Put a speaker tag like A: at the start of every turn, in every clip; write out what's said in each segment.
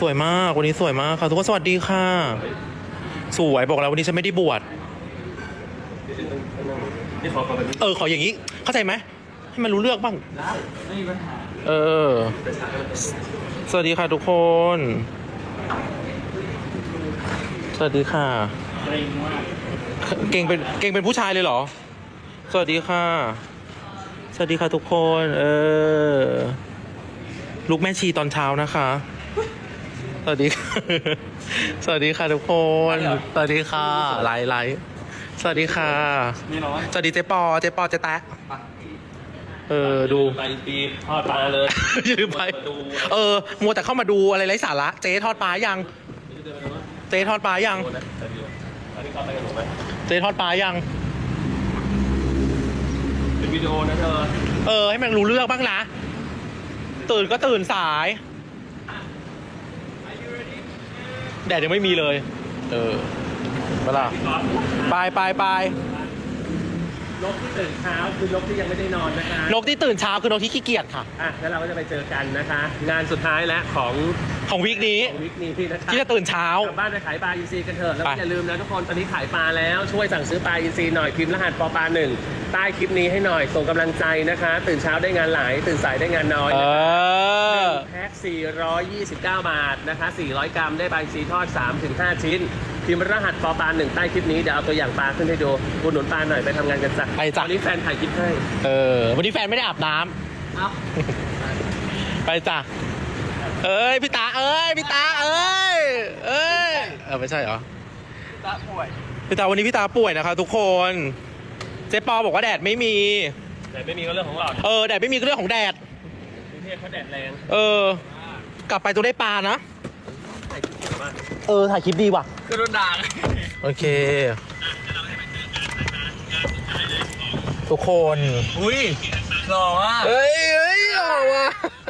A: สวยมากวันนี้สวยมากค่ะทุกคนสวัสดีค่ะสวยบอกแล้ววันนี้ฉันไม่ได้บวชขออย่างนี้เข้าใจไหมให้มันรู้เรื่องบ้าง
B: ได้ไม่มีปัญหา
A: สวัสดีค่ะทุกคน สวัสดีค่ะ
B: เกรงมาก
A: เก่งเป็นผู้ชายเลยเหรอสวัสดีค่ะสวัสดีค่ะทุกคนลูกแม่ชีตอนเช้านะคะสวัสดีค่ะสวัสดีค่ะทุกคนสวัสดีค่ะไลฟ์สวัสดีค่ะสวัสดีเจ๊ปอเจ๊แตะดู
B: ไปปีทอดปลาเลย
A: ยืมไปมัวแต่เข้ามาดูอะไรไร้สาระเจ๊ทอดปลายังเจ๊ทอดปลายังเจ๊ทอดปลายัง
B: เป็นวิดีโอนะเธอ
A: ให้มันรู้เรื่องบ้างนะตื่นก็ตื่นสายแดดยังไม่มีเลยเวลาไป
B: นกที่ตื่นเช้าคือนกที่ยังไม่ได้นอนนะคะ
A: นกที่ตื่นเช้าคือนกที่ขี้เกียจค่ะ
B: แล้วเราก็จะไปเจอกันนะคะงานสุดท้ายแล้วของ
A: วีคนี้
B: นะคะ
A: ที่จะตื่นเช้าก
B: ลับบ้านไปขายปลาอินทรีกันเถอะแล้วอย่าลืมนะทุกคนตอนนี้ขายปลาแล้วช่วยสั่งซื้อปลาอินทรีหน่อยพิมพ์รหัสปอปลา1ใต้คลิปนี้ให้หน่อยส่งกำลังใจนะคะตื่นเช้าได้งานหลายตื่นสายได้งานน้อยแพ็ค429 บาทนะคะ400 กรัมได้ปลาอินทรีทอด 3-5 ชิ้นพิมพ์รหัสปอปลา1ใต้คลิปนี้เดี๋ยวเอาตัวอย่างปลาขึ้นให้ดูอุดหนุนปลาหน่อยไปทำงานกันจ้ะวันนี้แฟนถ่ายคลิปให้
A: วันนี้แฟนไม่ได้อาบน้ำไปจ้ะพี่ตาไม่ใช่เหรอ
B: ตาป่วย
A: พี่ตาวันนี้พี่ตาป่วยนะคะทุกคนเจ๊ปอบอกว่าแดดไม่มี
B: ก็เรื่องของเรา
A: แดดไม่มีก็เรื่องของแดด
B: กรุงเทพเขาแดดแรง
A: กลับไปตัวได้ปลานะ
B: ถ่ายคลิปดีมาก
A: ถ่ายคลิปดีว่ะ
B: ก็โดนด่า
A: โอเคทุกคน
B: อุ้ยหล่อว่ะ
A: หล่อว่ะ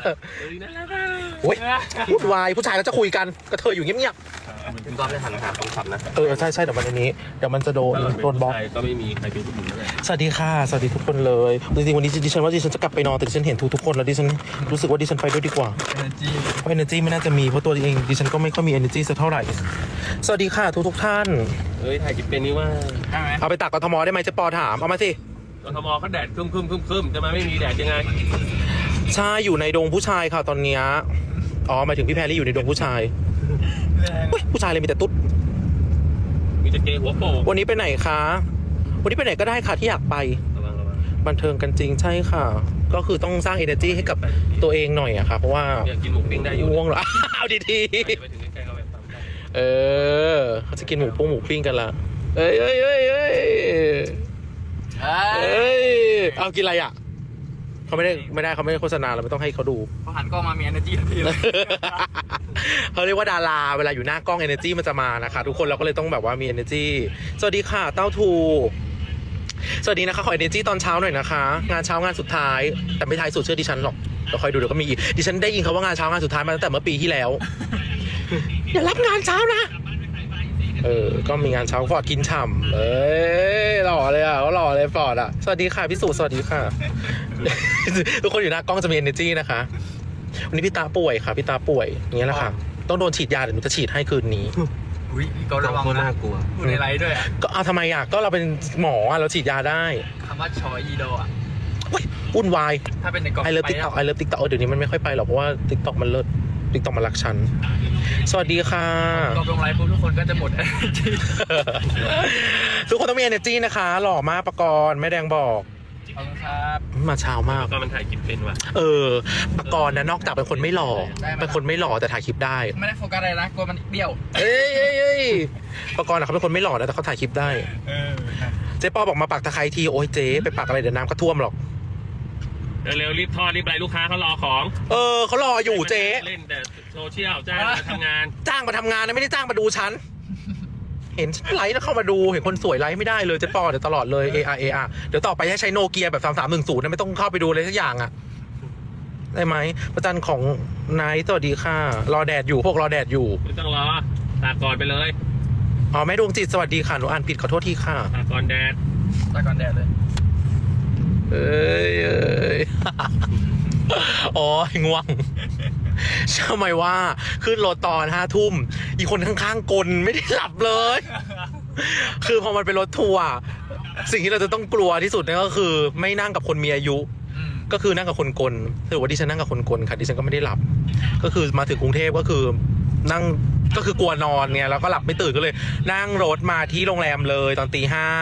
A: พูดวายผู้ชายแล้วจะคุยกันกระเทยอยู่เงียบ
B: คุณก๊อฟได้หันหาคนขับนะ
A: ใช่เดี๋ยวมันมันจะโดนบล็อก
B: ก็ไม่มีใครเป็นผู้หญิงเลย
A: สวัสดีค่ะสวัสดีทุกคนเลยจริงๆวันนี้ดิฉันว่าดิฉันจะกลับไปนอนแต่ดิฉันเห็นทุกคนแล้วดิฉันรู้สึกว่าดิฉันไปด้วยดีกว่าเพราะ energy ไม่น่าจะมีเพราะตัวเองดิฉันก็ไม่ค่อยมี energy สักเท่าไหร่สวัสดีค่ะทุกท่าน
B: ถ่ายคลิปเป็นนี่ว่า
A: เอาไปตักกทมได้ไหมจะปอถามเอามาสิ
B: กทมเขาแดดครึมจะมาไม่มีแดดยังไง
A: ใช่อยู่ในดงผู้ชายค่ะตอนเนี้ยหมายถึงพี่แพรรี่อยู่ในดงผู้ชายผู้ชายเลยมีแต่ตุ๊ด
B: มีแต่เกย์หัวโป
A: วันนี้ไปไหนคะวันนี้ไปไหนก็ได้ค่ะที่อยากไปบันเทิงกันจริงใช่ค่ะก็คือต้องสร้าง energy ให้กับตัวเองหน่อยอะค่ะเพราะว่า
B: อยากกินหมูปิ้งได้อยู่
A: ง่วงเหรอเอาดี
B: ๆ
A: เขาจะกินหมูปิ้งกันละเอากินอะไรอ่ะเขาไม่ได้เขาไม่ได้โฆษณาเราไม่ต้องให้เขาดู
B: เขาหันกล้องมามี energy ทันทีเลย
A: เขาเรียกว่าดาราเวลาอยู่หน้ากล้อง energy มันจะมานะคะทุกคนเราก็เลยต้องแบบว่ามี energy สวัสดีค่ะเต้าทูสวัสดีนะคะขอ energy ตอนเช้าหน่อยนะคะงานเช้างานสุดท้ายแต่ไม่ท้ายสุดเชื่อดิฉันหรอกเราคอยดูเดี๋ยวก็มีอีกดิฉันได้ยินเขาว่างานเช้างานสุดท้ายมาตั้งแต่เมื่อปีที่แล้วอย่ารับงานเช้านะก็มีงานเช้าฟอร์ดกินฉ่ำหล่อเลยอ่ะเขาหล่อเลยฟอร์ดอ่ะสวัสดีค่ะพี่สุสวัสดีค่ะทุกคนอยู่หน้ากล้องจะมี energy นะคะวันนี้พี่ตาป่วยค่ะพี่ตาป่วยอย่างเงี้ยแหละค่ะต้องโดนฉีดยาเดี๋ยวหนูจะฉีดให้คืนนี้
B: อุ้ยก็ระวังน่ากลัวในไลฟ์ด้วย
A: ก็เอาทำไมอ่ะก็เราเป็นหมอเราฉีดยาได้
B: คำว่าชอยอีโดอ่ะ
A: วุ่นวาย
B: ถ้าเป็นในกล่อง
A: ไอเลิฟติ๊กต็อกเดี๋ยวนี้มันไม่ค่อยไปหรอกเพราะว่าติ๊กต็อกมันเลิศติ๊กต็อกมันรักฉันสวัสดีค่ะ
B: ก็ลงไลฟ์ปุ๊บทุกคนก็จะหมด energy
A: ทุกคนต้องมี energy นะคะหล่อมากประกรณ์แม่แดงบอก
B: ขอบคุณครับ
A: มาเช้ามาก
B: ก็มันถ่ายคลิปเป็นว่ะ
A: ประกรณ์นะนอกจากเป็นคนไม่หล่อเป็นคนไม่หล่อแต่ถ่ายคลิปได้
B: ไม่ได้โฟกัสอะไรนะกลัวมันเบี้ยว
A: ประกรณ์เขาเป็นคนไม่หล่อนะแต่เขาถ่ายคลิปได้เจ๊ปอบอกมาปักตะไคร้ทีโอ้ยเจ๊ไปปักอะไรเดี๋ยวน้ำก็ท่วมหรอก
B: เร็วรีบทอดรีบไปลูกค้าเขารอของ
A: เขารออยู่เจ๊
B: เล่นแต่โซเชียลจ้างมาทำงาน
A: นะไม่ได้จ้างมาดูฉันเห็นไลฟ์แล้วเข้ามาดูเห็นคนสวยไลฟ์ไม่ได้เลยเจ๊ปอเดี๋ยวตลอดเลย AR เดี๋ยวต่อไปให้ใช้โนเกียแบบ3310นะไม่ต้องเข้าไปดูเลยสักอย่างอ่ะได้ไหมประจันของนายสวัสดีค่ะรอแดดอยู่พวกรอแดดอยู่
B: ไม่ต้องรอตากก่อนไปเลย
A: แม่ดวงจิตสวัสดีค่ะหนูอ่านผิดขอโทษทีค่ะ
B: ตากก่อนแดดเลย
A: ง่วงทำไมว่าขึ้นรถตอน5 ทุ่มอีกคนข้างๆกลไม่ได้หลับเลย คือพอมันเป็นรถทัวร์สิ่งที่เราจะต้องกลัวที่สุดนั่นก็คือไม่นั่งกับคนมีอายุ ก็คือนั่งกับคนกลถือว่าดิฉันนั่งกับคนกลค่ะดิฉันก็ไม่ได้หลับ ก็คือมาถึงกรุงเทพก็คือนั่งก็คือกลัวนอนไงแล้วก็หลับไม่ตื่นก็เลย นั่งรถมาที่โรงแรมเลยตอน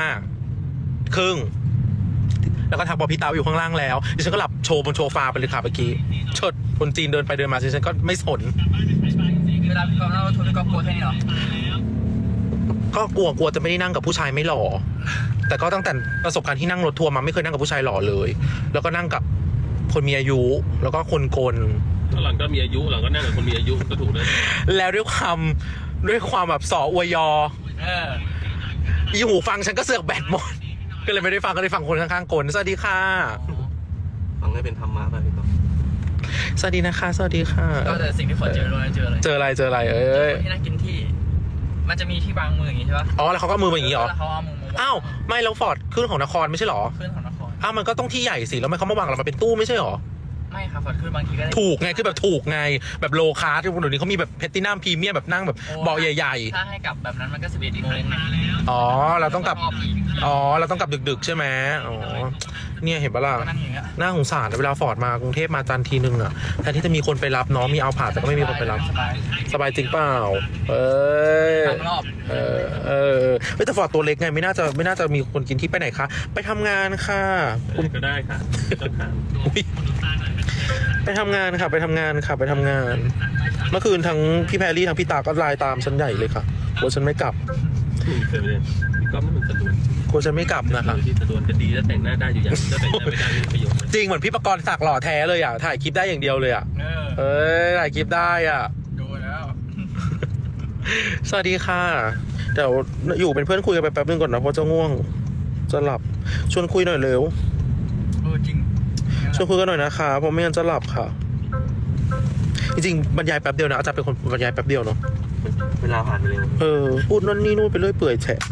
A: 5:30แล้วก็ทักบอกพี่เต๋าอยู่ข้างล่างแล้วดิฉันก็หลับโชว์บนโชฟาไปเลยค่ะเมื่อกี้เชิดคนจีนเดินไปเดินมาดิฉันก็ไม่สน
C: เวลาพี่กอล์ฟนั่งรถทัวร์พี่กอล์ฟกลัวแค่นี้เหรอ
A: ก็กลัวจะไม่ได้นั่งกับผู้ชายไม่หล่อ แต่ก็ตั้งแต่ประสบการณ์ที่นั่งรถทัวร์มาไม่เคยนั่งกับผู้ชายหล่อเลย แล้วก็นั่งกับคนมีอายุแล้วก็คนกล
B: หลังก็มีอายุหลังก็นั่งกับคนมีอายุก็ถูกแล้ว
A: แล้วด้วยความแบบสออวยยอ อีหูฟังฉันก็เสือกแบตหมด ก็เลยไม่ได้ฟังก็เลยฟังคนข้างๆกลสวัสดีค่ะ
B: ฟังให้เป็นธรรมะไปพี่ก๊อฟ
A: สวัสดีนะคะสวัสดีค่ะ
C: ก็แต่สิ่งที่ฝนเจอเลยเจออะไร
A: เจออะไรเอ้ย
C: ที่นั่งกินที่ มันจะมีที่วางมืออย่างงี้ใช่ปะ
A: อ๋อแล้วเขาก็มือมาอย่างนี้เหรอ
C: แล้วเขาเอามือมาวาง
A: อ้าวไม่แล้วฟอร์ดขึ้นของนครไม่ใช่เหรอ
C: ขึ้นของนคร
A: อ้าวมันก็ต้องที่ใหญ่สิแล้วมันเขามาวางเรามาเป็นตู้ไม่ใช่เหรอ
C: ไม่ครับฝนขึ้นบางทีก็ได้
A: ถูกไงคือแบบถูกไงแบบโลคาร์ที่คนเดี๋ยวนี้เขามีแบบเพตินัมพรีเมียมแบบนั่งแบบเบาะใหญ่
C: ถ้าให้กลับแบบนั้นมันก็11 โมง
A: ๆอ๋อเราต้องกลับ
C: รอบอีก
A: อ๋อเราต้องกลับดึกๆใช่ไหมอ๋อเนี่ยเห็นปะล่ะ
C: ก็นั่งอย่างเงี้ย
A: น่าสงสารเวลาฟอร์ดมากรุงเทพมาจันทร์ทีนึงอ่ะแทนที่จะมีคนไปรับน้องมีเอาผ่าแต่ก็ไม่มีคนไปรับ
C: สบาย
A: สบายจริงเปล่าเอ้ย
C: ทางรอบ
A: เฮ้ยแต่ฟอร์ดตัวเล็กไงไม่น่าจะมีคนกินที่ไปไหนคะไปทำงานค่ะคุณ
B: ก็ได้ค่ะต้องถาม
A: อุ๊ยไปทำงานค่ะไปทำงานเมื่อคืนทั้งพี่แพรรี่ทั้งพี่ตาก็ไลน์ตามฉันใหญ่เลยค่ะกลัวฉันไม่กลับ
B: เคยไปเรียนพี่ก๊อฟนี่มันสะดวน
A: กลัวฉันไม่กลับนะคะ
B: ที่สะดวนก็ดีแล้วแต่งหน้าได้อยู่อย่างจะแต่งหน้าไม่ได้ไม่มีประโยชน์
A: จริงเหมือนพี่ประกรณ์ศักดิ์หล่อแท้เลยอ่ะถ่ายคลิปได้อย่างเดียวเลยอ่ะ
C: เออ
A: ถ่ายคลิปได้อ่ะ
C: ดูแล้ว
A: สวัสดีค่ะเดี๋ยวอยู่เป็นเพื่อนคุยกันไปแป๊บนึงก่อนนะเพราะจะง่วงจะหลับชวนคุยหน่อยเร็ว
C: จริง
A: ชวนคุยกันหน่อยนะคะเพราะไม่งั้นจะหลับค่ะ จริงๆบรรยายแป๊บเดียวนะอาจารย์เป็นคนบรรยายแป๊บเดียวเนาะ
B: เวลาผ่านไปเร็ว
A: พูดนั่นนี่นู่นไปเรื่อยเปื่อยแฉะ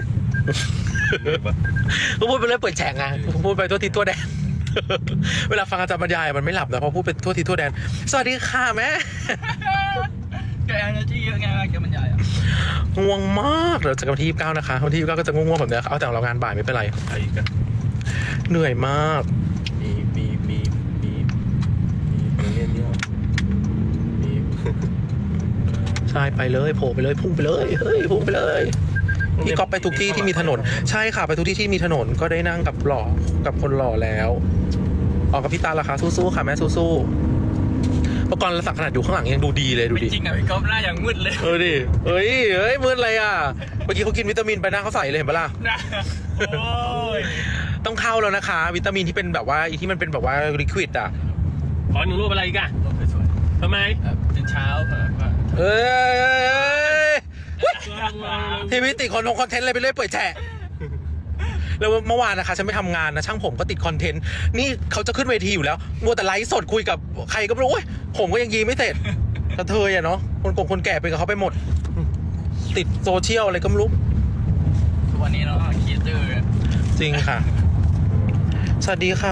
A: ก็พูดไปเรื่อยเปื่อยแฉะไงพูดไปทั่วทิศทั่วแดน เวลาฟังอาจารย์บรรยายมันไม่หลับนะเพราะพูดไปทั่วทิศทั่วแดนสวัสดีค่ะแม่
C: แกเอเนอร์จีเยอะไงแกมันใหญ่อะ
A: ง่วงมากเดี๋ยวจะวันที่29นะคะวันที่29ก็จะง่วงๆแบบนี้เอาแต่เรางานบ่ายไม่เป็นไร
B: ใครอีกอะ
A: เหนื่อยมาก
B: มีเงี้ยเดียวมี
A: ใช่ไปเลยโผล่ไปเลยพุ่งไปเลยเฮ้ยพุ่งไปเลยพี่ก๊อฟไปทุกที่ที่มีถนนใช่ค่ะไปทุกที่ที่มีถนนก็ได้นั่งกับกับคนหล่อแล้วออกกับพี่ตาละคะสู้ๆค่ะแม่สู้ๆประกรณ์ศักดิ์ขนาดอยู่ข้างหลังยังดูดีเลยดูดิ
C: จริงอะพี่ก๊อฟหน้าอย่างมืดเลย
A: ดิเฮ้ยมืดอะไรอ่ะเมื่อกี้เขากินวิตามินไปหน้าเขาใสเลยเห็นปะล่ะ
C: นะโอ้ย
A: ต้องเข้าแล้วนะคะ วิตามินที่เป็นแบบว่าที่มันเป็นแบบว่าลิควิดอ่ะ
B: ขอหนึ่งรูปอะไรอีกอะ
C: ลงสวย
B: ทำไม
C: ๆตื่นเช้าแบบว่า
A: เอ้ยทีวีติดคอนเทนต์อะไรไปเรื่อยเปื่อยแฉะแล้วเมื่อวานนะคะฉันไม่ทำงานนะช่างผมก็ติดคอนเทนต์นี่เขาจะขึ้นเวทีอยู่แล้วมัวแต่ไลฟ์สดคุยกับใครก็ไม่รู้โอ้ยผมก็ยังยีไม่เสร็จกระเทยอะเนาะคนแก่ไปกับเขาไปหมด ติดโซเชียลอะไรก็ไม่รู้
C: ทุกวันนี้เราก็คิดดื้อ
A: จริงค่ะ สวัสดีค่ะ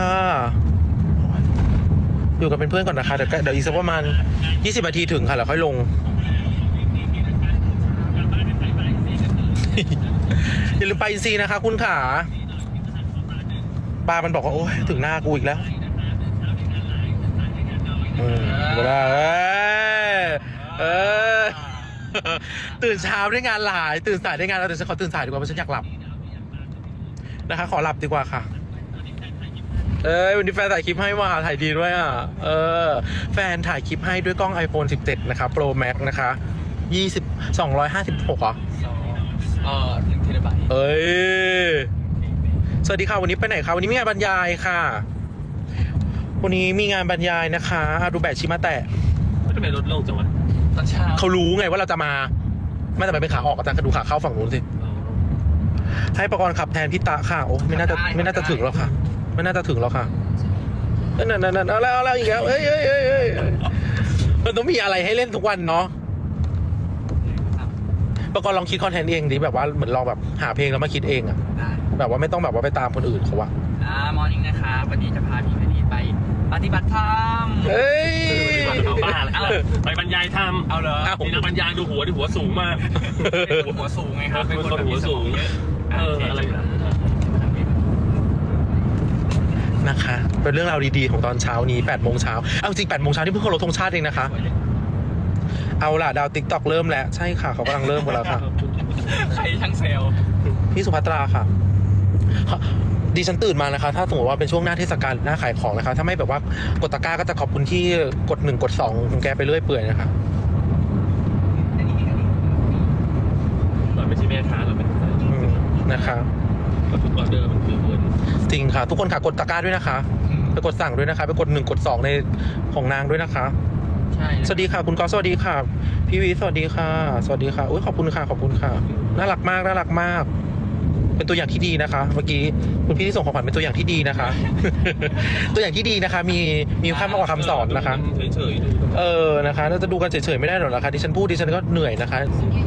A: อยู่กับเป็นเพื่อนก่อนนะคะเดี๋ยวอีกสักประมาณ20 นาทีถึงค่ะแล้วค่อยลง อย่าลืมไปอินซีนะคะคุณขาปลามันบอกว่าโอ้ยถึงหน้ากูอีกแล้วเวลาตื่นเช้าได้งานหลายตื่นสายได้งานแล้วแต่ฉันขอตื่นสายดีกว่าเพราะฉันอยากหลับนะคะขอหลับดีกว่าค่ะวันนี้แฟนถ่ายคลิปให้ว่าถ่ายดีด้วยอ่ะแฟนถ่ายคลิปให้ด้วยกล้อง iPhone 17 นะคะ Pro Max นะคะ256เหรอ
C: 1 เทราไบต์
A: สวัสดีค่ะวันนี้ไปไหนคะวันนี้มีงานบรรยายค่ะวันนี้มีงานบรรยายนะคะดูแบตชิมาแตะ
B: ทำไมลดลงจังวะ
C: ตอนเช้า
A: เขารู้ไงว่าเราจะมาไม่แต่ไปเป็นขาออกอาจารย์ก็ดูขาเข้าฝั่งนู้นสิให้ประกรณ์ขับแทนพี่ตาค่ะโอ้ไม่น่าจะถึงแล้วค่ะไม่น่าจะถึงแล้วค่ะนั่นเอาแล้วอีกแล้วมันต้องมีอะไรให้เล่นทุกวันเนาะประกรณ์ลองคิดคอนเทนต์เองดิแบบว่าเหมือนลองแบบหาเพลงแล้วมาคิดเองอะ
C: ได้
A: แบบว่าไม่ต้องแบบว่าไปตามคนอื่นเขาอะ
C: มอร์นิ่งนะคะวันนี้จะพาพี่เพนีไปปฏิบัติธรรม
A: เฮ้ย
C: เอาบ้าแล้ว
B: ไปบรรยายธรรม
C: เอาเหรอ
B: มีนักบรรยายดูหัวที่หัวสูงมาก
C: หัวสูงไงครับ
B: เป็นคนหัวสูงอะไรนะ
A: นะคะเป็นเรื่องราวดีๆของตอนเช้านี้8 โมงเช้าเอาจริง8 โมงเช้าที่เพิ่งเคารพธงชาติเองนะคะเอาล่ะดาวติ๊กต็อกเริ่มแล้วใช่ค่ะเขากำลังเริ่มหมดแล้วค่ะ
C: ใครช่างเซลล์
A: พี่สุภัตราค่ะดิฉันตื่นมานะคะถ้าสมมติว่าเป็นช่วงหน้าเทศกาลหน้าขายของนะคะถ้าไม่แบบว่ากดตะกร้าก็จะขอบคุณที่กด1 กด 2ของแกไปเรื่อยเปื่อยนะคะ
B: เราไม่ใช่แม่ค้าเราเป็น
A: นะคะ
B: ทุกออเดอร์มันคือเงิน
A: จริงค่ะทุกคนค่ะกดตะกร้าด้วยนะคะไปกดสั่งด้วยนะคะไปกด1 กด 2ในของนางด้วยนะคะ
C: ใช่
A: สวัสดีค่ะคุณกอล์ฟสวัสดีค่ะพี่วีสวัสดีค่ะสวัสดีค่ะอุ้ยขอบคุณค่ะขอบคุณค่ะน่ารักมากน่ารักมาก เป็นตัวอย่างที่ดีนะคะ เมื่อกี้คุณพี่ที่ส่งของขวัญเป็นตัวอย่างที่ดีนะคะ ตัวอย่างที่ดีนะคะ มีค่ามากกว่าคำสอนนะคะ
B: เฉยๆดู
A: นะคะเราจะดูกันเฉยๆไม่ได้หรอกนะคะดิฉันพูดดิฉันก็เหนื่อยนะคะ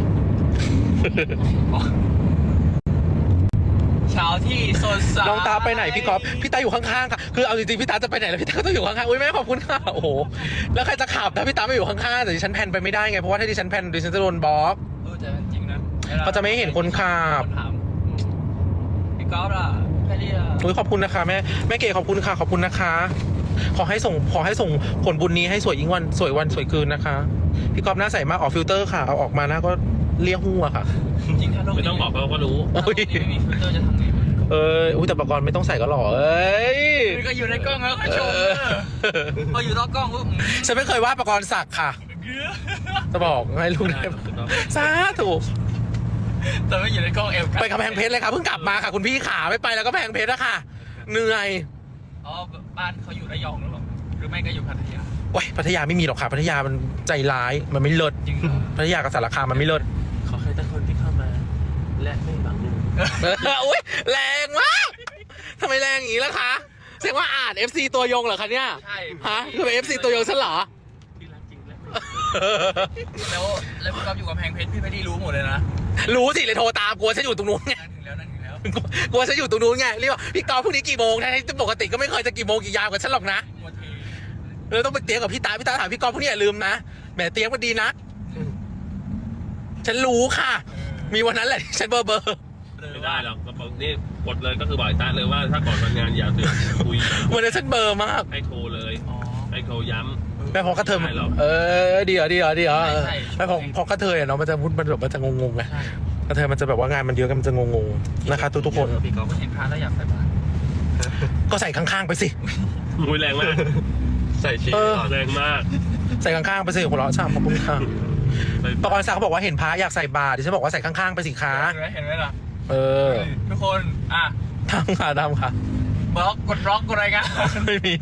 C: เช้าที่สดใส
A: น้องตาไปไหนพี่กอล์ฟพี่ตาอยู่ข้างๆค่ะคือเอาจริงๆพี่ตาจะไปไหนแล้วพี่ตาก็ต้องอยู่ข้างๆอุ้ยแม่ขอบคุณค่ะโอ้โหแล้วใครจะขับถ้าพี่ตาไม่อยู่ข้างๆแต่ดิฉันแพนไปไม่ได้ไงเพราะว่าถ้าดิฉันแพนดิฉันจะโดนบล็อก
C: แต่จริงนะ
A: เขาจะไม่เห็นคนขับ
C: ถามพี่ก๊อฟล่ะแพรรี่ล่ะ
A: อุ้ยขอบคุณนะคะแม่เก๋ขอบคุณค่ะขอบคุณนะคะ ขอให้ส่งผลบุญนี้ให้สวยยิ่งวันสวยวันสวยคืนนะคะพี่กอล์ฟหน้าใสมากออกฟิลเตอร์ค่ะเอาออกมาหน้าก็เลี่ยหัวค่ะ
C: จริงถ้าโลก
B: ไม่ต้องบอกเราก็รู้
C: ถ้าโลกนี้ไม่มีฟิลเตอร์จะทำไงวะ
A: อุ้ยแต่ประกรณ์ไม่ต้องใส่ก็หล่อเอ้ย
C: ก็อยู่ในกล้องแล้วก็ชมพออยู่นอกกล้องปุ๊บ
A: ฉันไม่เคยว่าประกรณ์สักค่ะ จะบอกให้ลูกได้สาธุ
C: แต่ไม่อยู่ในกล้องเอฟ
A: ไปกำแพงเพชรเลยค่ะเพิ่งกลับมาค่ะคุณพี่ขาไม่ไปแล้วก็กำแพงเพชรนะคะเหนื่อย
C: อ๋อบ้านเขาอยู่ระยองหรือเปล่าหรือไม่ก็อยู่พัทยา
A: โอ้ยพัทยาไม่มีหรอกค่ะพัทยามันใจร้ายมันไม่เลิศ
C: จริงเหรอ
A: พัทยากับสารคามมันไม่เลิศ
B: ขอให้แต่คนที่เข้ามา และไม่หวัง
A: อุ้ยแรงมากทำไมแรงอย่างนี้ล่ะคะแสดงว่าอ่าน FC ตัวยงเหรอคะเนี่ย
C: ใช่
A: ฮะคือเป็น FC ตัวยงฉันเหรอ
B: ที่รักจริงและ
C: แล้วพี่ก๊อฟอยู่กับแพงเพชรพี่ไม่ได้รู้หมดเลยนะ
A: รู้สิเลยโทรตามกลัวฉันอยู่ตรงนู้นไง
C: นั่นถึงแล้ว
A: กลัวฉันอยู่ตรงนู้นไงเรียกว่าพี่กอล์ฟพรุ่งนี้กี่โมงนะปกติก็ไม่เคยจะกี่โมงกี่ยามกับฉันหรอกนะ
C: มัวเท
A: เลยต้องไปเตรียมกับพี่ตาถามพี่กอล์ฟพรุ่งนี้อย่าลืมนะแหมเตรียมก็ดีนะฉันรู้ค่ะ มีวันนั้นแหละที่ฉันเบอร์
B: ไม่ได้หรอกนี่กดเลยก็คือบอกไอ้ตาเลยว่าถ้าก่อนวันงานอย่าเตือนคุย
A: วันนั้นฉันเบอร์มาก
B: ให้โทรเลย
C: อ๋อ
B: ให้โทรย้ำ
A: แม่พอกระเทย
B: ไม่ได้หรอก
A: เดี๋ยว
C: ใช่
A: แม่พอกระเทยเนาะมันจะพูดมันแบบมันจะงงๆไง
C: ใช่
A: กระเทยมันจะแบบว่างานมันเยอะกันมันจะงงๆนะคะทุกคน
C: พี่ก๊อฟเห็นพระแล้วอยากใส่บาตร
A: ก็ใส่ข้างๆไปสิ
B: มุ้ยแรงมาก ใส่ชีแรงมาก
A: ใส่ข้างๆไปสิหัวเราะชามขอบคุณค่ะประกรณ์ศักดิ์เขาบอกว่าเห็นพระอยากใส่บาตรดิฉันบอกว่าใส่ข้างๆไปสิคะ
C: เห็นไหมล่ะ ทุกคน
A: ทำค่ะ
C: บล็อกกดบล็อกกดอะไรกัน
A: ไม่มี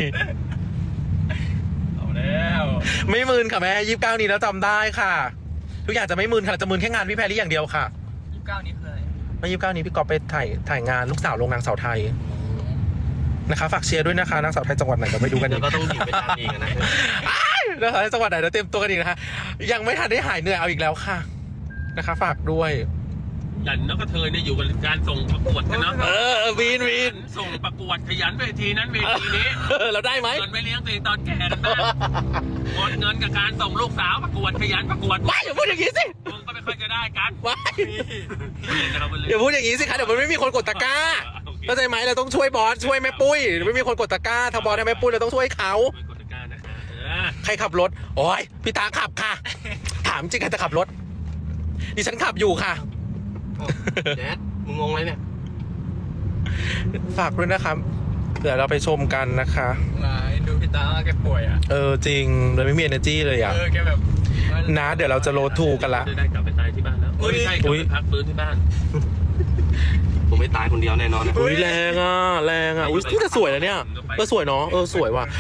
C: เอาแล้ว
A: ไม่มึนค่ะแม่29นี้แล้วจำได้ค่ะ ทุกอย่างจะไม่มึนค่ะจะมึนแค่งานพี่แพรรี่อย่างเดียวค่ะ
C: 29นี้คืออะไร
A: แล้ว29นี้พี่กอฟไปถ่ายงานลูกสาวโรงนางสาวไทยนะคะฝากเชียร์ด้วยนะคะนางสาวไทยจังหวัดไหนเดี๋ยวไปดูกัน
B: เดี๋ยวก็ต้องถีบไปตามอีกนะ
A: นะคะจังหวัดไหนเดี๋ยวเตรียมตัวกันอีกนะคะยังไม่ทันได้หายเหนื่อยเอาอีกแล้วค่ะนะคะ ฝากด้วย
B: ยันนกกระเทยเนี่ยอยู่กับการส่งประกวดกันเนาะ
A: วีน
B: ส่งประกวดขยันเวทีนั้นเวทีนี้
A: เราได้ไหม
B: เงินไม่เลี้ยงตัวเองตอนแก่กันบ้างหมดเงินกับการส่งลูกสาวประกวดขยันประกวด
A: ว้ายอย่าพูดอย่างนี้สิ
B: มึงก็ไม่ค่อยจะได้กัน
A: ว้ายอย่าพูดอย่างนี้สิคะเดี๋ยวมันไม่มีคนกดตะกร้าเข้าใจไหมเราต้องช่วยบอสช่วยแม่ปุ้ยเดี๋ยวไม่มีคนกดตะกร้าทางบอสทางแม่ปุ้ยเราต้องช่วยเขา
B: กดตะกร้านะคะ
A: ใครขับรถโอ้ยพี่ตาขับค่ะ ถามจริงใครจะขับรถดิฉันขับอยู่ค่ะ
B: แจ๊ดมึงงงไหมเนี่ย
A: ฝากด้วยนะครับเดี๋ยวเราไปชมกันนะคะ
C: มาดูพี่ตาแกป่วยอ่ะ
A: จริงเลยไม่มี energy เลยอ่ะ
C: แกแบบ
A: นะเดี๋ยวเราจะโรดทูกันละ
B: ได้กลับไปตายที่บ้านแล้วไม่ใช่กลับไปพักฟื้นที่บ้าน ผมไม่ตายคนเดียวแน่นอนนะ
A: อุ้ยแรงอ่ะอุ้ยนี่จะสวยแล้วเนี่ยสวยเนาะสวยว่ะ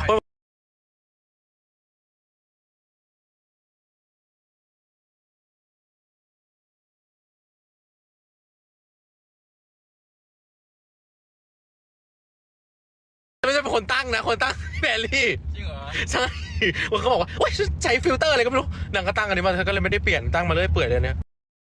A: ไม่ใช่เป็นคนตั้งนะคนตั้งแบลลี่
C: จริงเหรอ
A: ใช่เขาบอกว่าโอ๊ยใช้ฟิลเตอร์อะไรก็ไม่รู้นางก็ตั้งอันนี้มาเธอก็เลยไม่ได้เปลี่ยนตั้งมาเลยเปื่อยเลยเนี่ย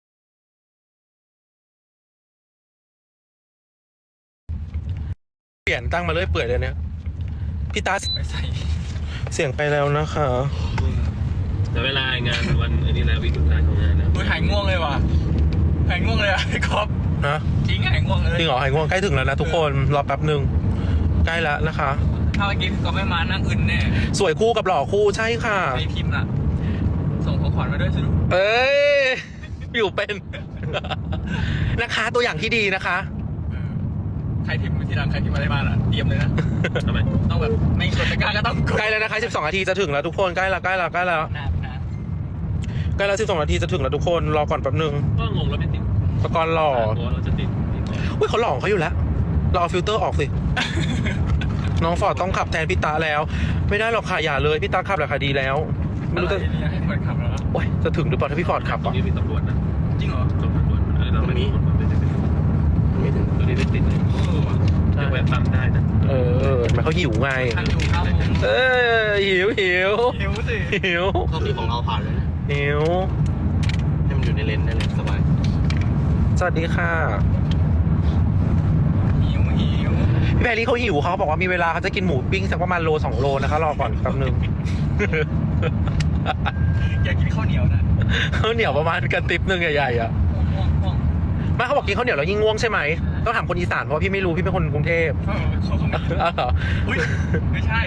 A: เปลี่ยนตั้งมาเลยเปื่อยเลยเนี่ยพี่ตา
C: ไปใส่
A: เสียงไปแล้วนะคะ
B: แต่เวลางานวันอันนี้แล้ววิกสุดท้ายของงานนะ
C: หายง่วงเลยว่ะหายง่วงเลยอ่ะพี่ก๊อฟ
A: นะ
C: จริงหายง่วงเลย
A: จริงเหรอหายง่วงใกล้ถึงแล้วนะทุกคนรอแป๊บนึงใกล้แล้วนะคะ
C: ถ้าเมื่อกี้พี่ก๊อฟไม่มานั่งอึนแน่
A: สวยคู่กับหล่อคู่ใช่ค่ะ
C: ใครพิมพ์ล่ะส่งของขวัญมาด้วยสิลูก
A: เอ้ยอยู่เป็น นะคะตัวอย่างที่ดีนะคะ
C: ใครพิมพ์ทีหลังใครพิมพ์อะไรมาล่ะเตรียมเลยนะ
B: ทำไม
C: ต้องแบบไม่กดตะกร้าก็ต้องกด
A: ใกล้แล้วนะคะ12 นาทีจะถึงแล้วทุกคนใกล้แล้วใกล้แล้วใกล้แล้ว
C: นะ
A: ใกล้แล้ว12 นาทีจะถึงแล้วทุกคนรอก่อนแป๊บนึง
B: ก็งงแล้วไม่ติด
A: ปกรณ์หล่อ
B: ตัวเราจะติดนี่ก่อน
A: อุ้ยเขาหล่อของเขาอยู่แล้วเราเอาฟิลเตอร์ออกสิ น้องฟอร์ดต้องขับแทนพี่ตาแล้ว ไม่ได้หรอกค่ะอย่าเลยพี่ตาขับแหละค่ะดีแล้วไม่รู้จะ
C: ให้เปิดขับแล้ว
A: โอ้ยจะถึงหรือเปล่าถ้าพี่ฟอร์ดขับ
B: ตรง
A: อ่ะ
B: นี้มีตำรวจนะ
C: จริงเหรอ
B: ตำรวจเราไม่มีไม่ติดตัวนี้ไม่ติดเลยยังแวะปั๊มได้นะ
A: มันเขาหิวไง
C: ทันอยู่ครับผม
A: หิว
C: หิวสิ
A: หิว
D: โชคดีของเราผ่านเลยนะ
A: หิว
D: ให้มันอยู่ในเลนได้เลยสบาย
A: สวัสดีค่ะ
C: หิว
A: พี่แพรรี่เขาหิวเขาบอกว่ามีเวลาเขาจะกินหมูปิ้งสักประมาณโล2 โลนะคะรอก่อนแป๊บนึง
C: อยากกินข้าวเหนียวนะ
A: ข้าวเหนียวประมาณกระติบนึงใหญ่ๆอ่ะ
C: ง่วง
A: ไม่เขาบอกกินข้าวเหนียวแล้วยิ่งง่วงใช่ไหมต้องถามคนอีสานเพราะพี่ไม่รู้พี่เป็นคนกรุงเทพ
C: เขาไม่
A: อ้าวเหรอ
C: อุ้ยไม่ใช่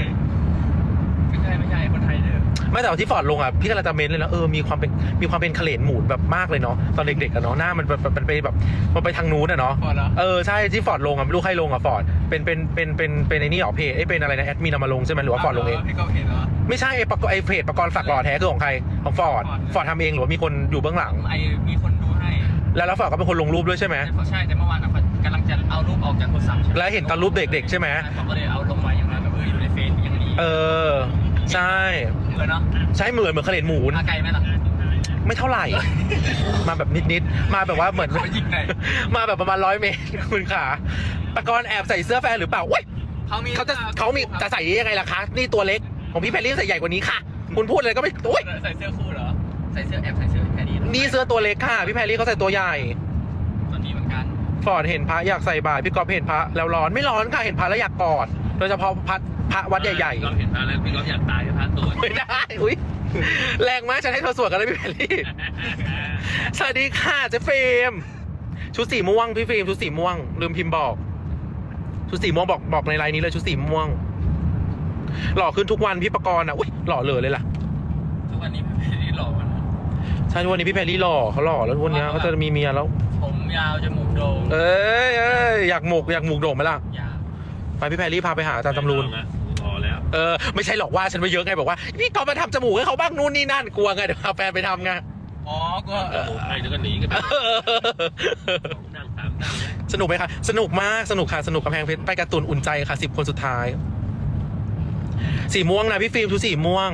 C: คนไทยเด้อ
A: ไม่แต่ว่าที่ฟอร์ดลงอ่ะพี่กำลังจะเม้นเลยนะมีความเป็นเขลนหมูแบบมากเลยเนาะตอนเด็กๆอะเนาะหน้ามันไปแบบมันไปทางนู้นอะเนาะ
C: พอแล้ว
A: ใช่ที่ฟอร์ดลงอ่ะไม่รู้ใครลงอ่ะฟอร์ดเป็นไอ้นี่หรอเพจเป็นอะไรนะแอดมินเอามาลงใช่ไหมหรือว่าฟอร์ดลงเอง
C: พี่ก็เห็นเหรอ
A: ไม่ใช่ไอ้เพจประกรณ์ฝักหล่อแท้คือของใครของฟอร์ดทำเองหรือว่ามีคนอยู่เบื้องหลัง
C: มีคนดูให้
A: แล้วฟอร์ดก็เป็นคนลงรูปด้วยใช่ไหม
C: ใช่แต่เมื่อวานกำลังจะเอารูปออกจากโทรศัพท์
A: แล้วเห็นตอนรูปเด็กๆใช่ไหม
C: ผมก็เลยเอาลงไว้อย่างนั้นแบบอยู่ในเฟซอย่างนี้
A: ใช่
C: เหมือนเนาะ
A: ใช่เหมือนเขลนหมู
C: มาไกลไหมล่ะ
A: ไม่เท่าไหร่ มาแบบนิดๆมาแบบว่าเหมือน
C: เขายิงไหน
A: มาแบบประมาณ100 เมตรคุณขาประกรณ์แอบใส่เสื้อแฟนหรือเปล่าเว้ยเขามีจะใส่ยังไงล่ะคะนี่ตัวเล็กของพี่แพรรี่ใส่ใหญ่กว่านี้ค่ะ คุณพูดเลยก็ไม่โอ้ย
C: ใส่เสื้อคู่เหรอใส่เสื้อแค่นี้
A: นี่เสื้อตัวเล็กค่ะพี่แพรรี่เขาใส่ตัวใหญ่
C: ตอนนี้เหมือนกัน
A: ฟอร์ดเห็นพระอยากใส่บาตรพี่ก๊อฟเห็นพระแล้วร้อนไม่ร้อนค่ะเห็นพระแล้วอยากกอดโดยเฉพาะพระวัดใหญ่
B: เราเห็นพระแล้วพี่ก็อยากตายกับพระตัว
A: ๆไม่ได้อุ้ยแรงมากฉันให้เธอสวดกันเลยพี่แพรรี่สวัสดีค่ะเจ๊เฟรมชุดสีม่วงพี่ฟิล์มชุดสีม่วงลืมพิมพ์บอกชุดสีม่วงบอกในไลน์นี้เลยชุดสีม่วงหล่อขึ้นทุกวันพี่ประกรณ์อ่ะอุ้ยหล่อเลยล่ะ
C: ทุกวันนี้พี่หล่อมัน
A: ใช่ทุกวันนี้พี่แพรรี่หล่อเขาหล่อแล้วทุกวันนี้เขาจะมีเมียแล้ว
C: ผมยาวจมูกโด่ง
A: เอ้ยอยากหมกโด่งไหมล่ะ
C: ยาว
A: ไปพี่แพรรี่พาไปหาอาจารย์ตำรูน
B: พอแล้ว
A: ไม่ใช่หรอกว่าฉันไปเยอะไงบอกว่าพี่ก็มาทำจมูกให้เขาบ้างนู่นนี่นั่นกลัวไงเดี๋ยวพาแฟนไปทำไง
C: อ๋อก็
B: ใครจะก็หนีกันนั่งตามนั่ง
A: สนุกไหมคะสนุกมากสนุกค่ะสนุกกำแพงเพชรไปการ์ตูนอุ่นใจค่ะ10 คนสุดท้ายสีม่วงนะพี่ฟิล์มทุกสีม่วง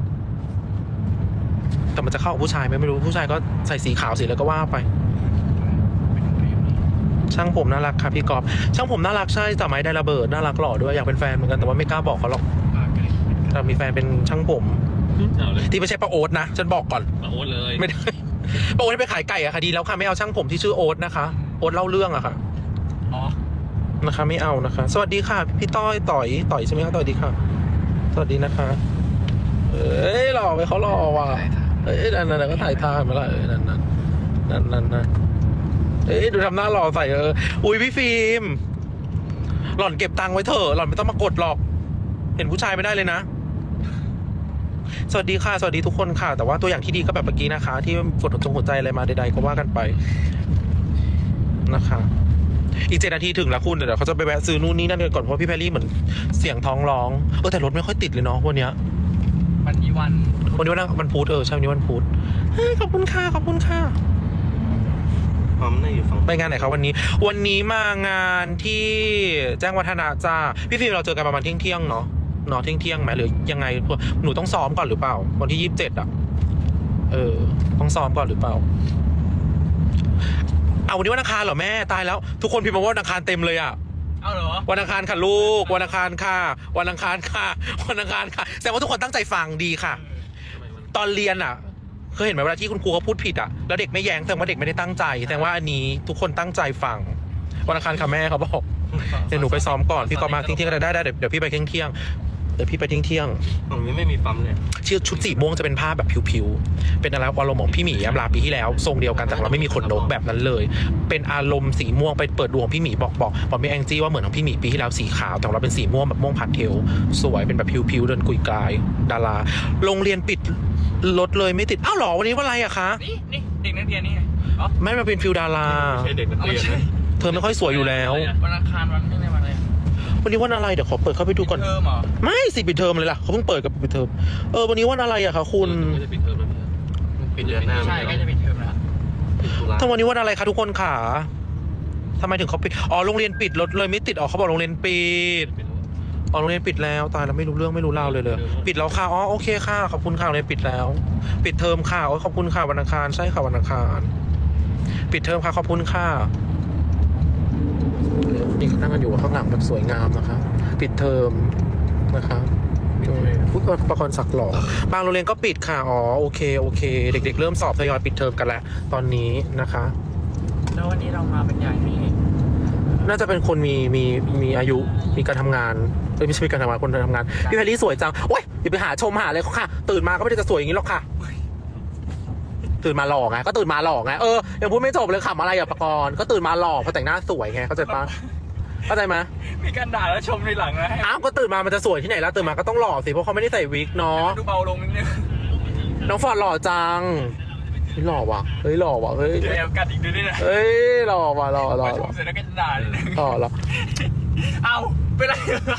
A: แต่มันจะเข้ากับผู้ชายไหมไม่รู้ผู้ชายก็ใส่สีขาวสีแล้วก็ว่าไปช่างผมน่ารักค่ะพี่กอบช่างผมน่ารักใช่แต่ไม้ได้ระเบิดน่ารักหล่อด้วยอยากเป็นแฟนเหมือนกันแต่ว่าไม่กล้าบอกเขาหรอกแต่มีแฟนเป็นช่างผม
B: เอาเลย
A: ที่ไม่ใช่ป้าโอ๊ตนะฉันบอกก่อน
B: มาโอ๊ตเลย
A: ไม่ได้ป้าโอ๊ตไปขายไก่อะค่ะดีแล้วค่ะไม่เอาช่างผมที่ชื่อโอ๊ตนะคะโอ๊ตเล่าเรื่องอะค่ะ
C: อ๋อ
A: นะคะไม่เอานะคะ สวัสดีค่ะพี่ต่อยใช่ไหมคะต่อยดีค่ะ สวัสดีนะคะเอ้ยหล่อไปเขาหล่อว่ะเอ้ยนั่นก็ถ่ายท่ามาละนั่นเอ้ยดูทำหน้าหล่อใส่อุ้ยพี่ฟิล์มหล่อนเก็บตังค์ไว้เถอะหล่อนไม่ต้องมากดหรอก เห็นผู้ชายไม่ได้เลยนะ สวัสดีค่ะสวัสดีทุกคนค่ะ แต่ว่าตัวอย่างที่ดีก็แบบเมื่อกี้นะคะ ที่กดหัวใจอะไรมาใดๆก็ว่ากันไปนะคะ อีก7 นาทีถึงแล้วคุณเดี๋ยวเขาจะไปแวะซื้อนู่นนี่นั่นกันก่อนเพราะพี่แพรรี่เหมือนเสียงท้องร้องแต่รถไม่ค่อยติดเลยเนาะวันเนี้ย
C: วันนี้
A: วันพุธใช่วันนี้วันพุธขอบคุณค่ะ
D: พร้อมน่าอยู่ฝั่ง
A: ไปงานไหนครับวันนี้มางานที่แจ้งวัฒนะจ้าพี่ฟิล์มเราเจอกันประมาณเที่ยงเนาะเที่ยงไหมหรือยังไงหนูต้องซ้อมก่อนหรือเปล่าวันที่27อ่ะต้องซ้อมก่อนหรือเปล่าเอาวันนี้วันอังคารเหรอแม่ตายแล้วทุกคนพิมพ์มาว่าวันอังคารเต็มเลยอ่ะ
C: เอาเหรอ
A: วันอังคารค่ะลูกวันอังคารค่ะวันอังคารค่ะวันอังคารค่ะแสดงว่าทุกคนตั้งใจฟังดีค่ะ ตอนเรียนอ่ะเคยเห็นไหมเวลาที่คุณครูเขาพูดผิดอ่ะแล้วเด็กไม่แย้งแสดงว่าเด็กไม่ได้ตั้งใจแสดงว่าอันนี้ทุกคนตั้งใจฟังวันอังคารค่ะแม่เขาบอกเดี๋ยวหนูไปซ้อมก่อนพี่ก็มาเที่ยงๆได้เดี๋ยวพี่ไปเที่ยงเดี๋ยวพี่ไปเที่ยง
D: ตรงนี้ไม่มีปั๊มเลย
A: ๆชื่อชุดสีม่วงจะเป็นผ้าแบบผิวๆเป็นอะไรอารมณ์ของพี่หมียามลาปีที่แล้วทรงเดียวกันแต่เราไม่มีขนนกแบบนั้นเลย เป็นอารมณ์สีม่วงไปเปิดดวงพี่หมีบอกไม่แองจี้ว่าเหมือนของพี่หมีปีที่แล้วสีขาวแต่ของเราเป็นสีม่วงแบบม่วงผัดเทลสวยเป็นแบบผิวๆเดินกุยกลายดาราโรงเรียนปิดรถเลยไม่ติดอ้าวเหรอวันนี้วันอะไรอะคะ
C: นี่เด็กนักเรียนนี่ไงอ๋อ
A: ไม่มาเป็นฟิลดารา
D: ไม่ใช่เด็กนักเรียนนะ
A: เธอไม่ค่อยสวยอยู่แล้ว
C: วันอังคารวันไม่ได้วันอะไร
A: วันนี้วันอะไรเดี๋ยวขอเปิดเข้าไปดูก่อน
C: เทอมเหรอ
A: ไม่สิปิดเทอมเลยล่ะเขาเพิ่งเปิดกับปิดเทอมวันนี้วันอะไรอะคะคุณ
D: ไม่ได้ปิดเทอมแล้วปิดเดือนหน้า
C: ใช่ใกล้จะปิดเทอมแล้ว
D: ปิดตุลา
A: ทั้งวันนี้วันอะไรคะทุกคนขาทำไมถึงเขาปิดโรงเรียนปิดรถเลยไม่ติดเขาบอกโรงเรียนปิดโรงเรียนปิดแล้วตายแล้วไม่รู้เรื่องไม่รู้ราวเลยปิดแล้วค่ะโอเคค่ะขอบคุณค่ะโรงเรียนปิดแล้ว ปิดเทอมค่ะขอบคุณค่ะวันอังคารใช่ค่ะวันอังคารปิดเทอมค่ะขอบคุณค่ะนี่เขานั่งกันอยู่ข้างหลังแบบสวยงามนะคะปิดเทอมนะคะพูดประคอนสักหล่อบางโรงเรียนก็ปิดค่ะโอเคเด็กๆเริ่มสอบทยอยปิดเทอมกันแล้วตอนนี้นะคะ
C: แล้ววันนี้เรามาเป็นใหญ่นี่
A: น่าจะเป็นคนมีอายุมีการทำงานไม่ใช่มีการทำงานคนทำงานพี่แพรรี่สวยจังโอ๊ยอย่าไปหาชมหาเลยค่ะตื่นมาก็ไม่ได้จะสวยอย่างนี้หรอกค่ะตื่นมาหล่อไงก็ตื่นมาหล่อไงยังพูดไม่จบเลยขำอะไรอ่ะปกรณ์ก็ตื่นมาหล่อเพราะแต่งหน้าสวยไงเข้าใจปะเข้าใจไหม
C: มีการด่าแล้วชมในหลังนะให้
A: อ้าวก็ตื่นมามันจะสวยที่ไหนแล้วตื่นมาก็ต้องหล่อสิเพราะเขาไม่ได้ใส่วิกเนาะ
C: ดูเบาลงนิดนึง
A: น้องฟอร์ดหล่อจังหล่อว่ะเฮ้ยหล่อว่ะเฮ้ย
C: เดี๋ยวกัดอีกดูด้วยนะ
A: เฮ้ยหล่อว่ะหล่อ
C: พอชมเสร็จแล้วก็จะด่านิดนึง
A: หล่อ
C: เอาไปไร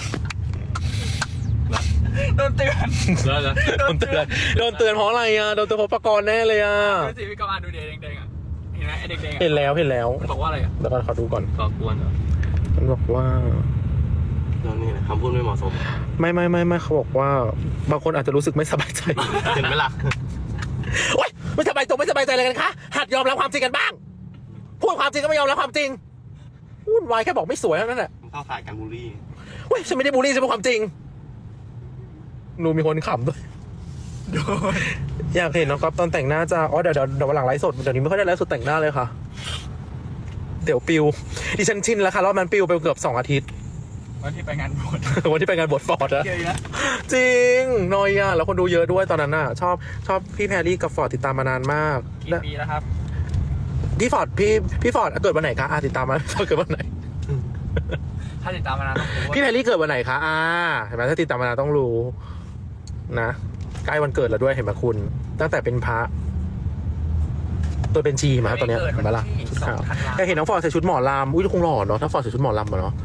C: โดนเตือน
D: แล้วนะ
A: โดนเตือนเพราะอะไรอ่ะโดนเตือนเพราะปกรณ์แน่เลยอ่ะ
C: ดูสิพี่กำลังดูเด็กแดงๆอ่ะเห็นไหมไอ้เด็กแดง
A: เห็นแล้ว
C: มันบอกว่าอะไรอ่ะ
A: แล้วก็ขอดูก่อน
D: ก่อกวนเหรอ
A: มันบอกว่า
D: แล้วนี่นะคำพูดไม่เหมาะสม
A: ไม่เขาบอกว่าบางคนอาจจะรู้สึกไม่สบายใจ
D: เห็นไหมล่ะ
A: โอ๊ยไม่สบายใจอะไรกันคะหัดยอมรับความจริงกันบ้างพูดความจริงก็ไม่ยอมรับความจริงวุ่นวายแค่บอกไม่สวยเท่านั้นแหละ
D: เข้าข่ายการบูลลี่
A: เว้ยฉันไม่ได้บูลลี่ฉันพูดความจริงหนูมีคนขำด้วยอยากเห็นน้องก๊อฟตอนแต่งหน้าจะเดี๋ยววันหลังไลฟ์สดเดี๋ยวนี้ไม่ค่อยได้ไลฟ์สดแต่งหน้าเลยค่ะเดี๋ยวปิวดิฉันชินแล้วค่ะรอบนั้นปิวไปเกือบ2 อาทิตย์
C: วันที่ไปงานบวช
A: วันที่ไปงานบวชฟอร์ดอะ
C: เยอะนะ
A: จริงนอยอะแล้วคนดูเยอะด้วยตอนนั้นอะชอบพี่แพรรี่กับฟอร์ดติดตามมานานมาก
C: กี่ปีแล้วครับ
A: พี่ฟอร์ดพี่ฟอร์ดเกิดวันไหนคะติดตามมาเกิดวันไหน
C: ถ้าติดตามมานานต้องรู้ว่า
A: พี่แพรรี่เกิดวันไหนคะเห็นไหมถ้าติดตามมานานต้องรู้นะใกล้วันเกิดแล้วด้วยเห็นไหมคุณตั้งแต่เป็นพระตัวเป็นชีมาตอนเนี้ยเห็นไหมล่ะชุดขาวอยากเห็นน้องฟอร์ดใส่ชุดหมอลำอุ้ยคงหล่อเนาะถ้าฟอร์ดใส่ชุดหมอลำเนาะ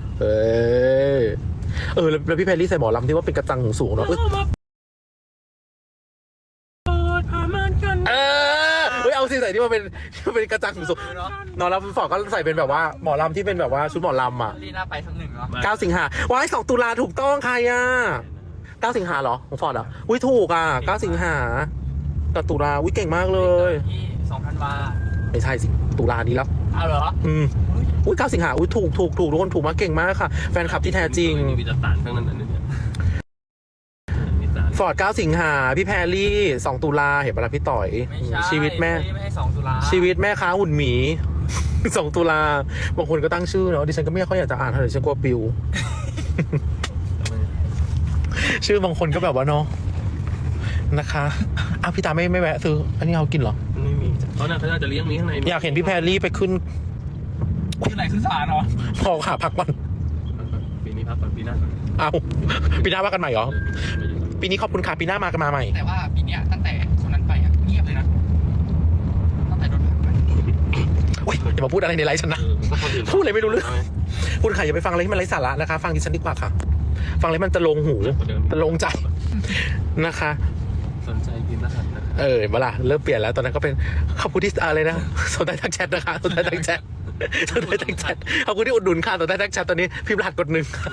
A: แล้วพี่แพรรี่ใส่หมอลำที่ว่าเป็นกระจังสูงๆเนาะเอาสิใส่ที่มันเป็นกระจังสูงๆนอนแล้วฟอร์ดก็ใส่เป็นแบบว่าหมอลำที่เป็นแบบว่าชุดหมอลำอ่ะ
C: ลีน่าไปสักหนึ่งเนาะ
A: 9 สิงหาว้าย2 ตุลาถูกต้องใคร9 สิงหาเหรอของฟอร์ดอ่ะอุ้ยถูก9 สิงหากับตุลาอุ้ยเก่งมากเลย
C: ที่2 ธันวา
A: ไม่ใช่สิตุลานี้แล้ว
C: เอาเหรอ
A: อุ้ย9 สิงหาอุ้ยถูกทุกคนถูกมากเก่งมากค่ะแฟนคลับที่แท้จริง
D: มีวิจารณ์ทั้งนั้นเนี่ย
A: ฟอร์ด9 สิงหาพี่แพรรี่2 ตุลาเห็นปะล่ะพี่ต่อย
C: ไม่ใช่
A: ชีวิตแม่
C: ไม่ให้2 ตุลา
A: ชีวิตแม่ค้าหุ่นหมี 2 ตุลาบางคนก็ตั้งชื่อเนาะดิฉันก็ไม่ค่อยอยากจะอ่านเท่าไหร่ฉันกลัวปิว ชื่อบางคนก็แบบว่าเนาะนะคะพี่ตาไม่แวะซื้ออันนี้เอากินเหรอ
D: ไม่มีเขาน่าจะเลี้ยงนี้ข้างใน
A: อยากเห็นพี่แพรรี่ไปขึ้น
C: ที่ไหนขึ้นศาลเหรอ
A: พอค่ะพักวัน
D: ปีนี้พักก่อนปีหน้า
A: ปีหน้าว่ากันใหม่เหรอปีนี้ขอบคุณค่ะปีหน้ามากันมาใหม่
C: แต่ว่าปีเนี้ยตั้งแต่คนนั้นไปอ่ะเงียบเลยนะตั้งแต่โดนผลักไป
A: อุ้ยอย่ามาพูดอะไรในไลฟ์ฉันนะพูดอะไรไม่รู้เรื่องคุณค่ะอย่าไปฟังอะไรที่มันไร้สาระนะคะฟังดิฉันดีกว่าค่ะฟังอะไรมันจะลงหูจะลงใจนะคะ
D: สนใจพิมพ์รหัสนะครับ
A: เวลาเริ่มเปลี่ยนแล้วตอนนั้นก็เป็นขอบคุณที่อะไรนะสนใจทักแชทนะคะสนใจทักแชทขอบคุณที่อุดหนุนค่ะสนใจทักแชทตอนนี้พิมพ์รหัสกด 1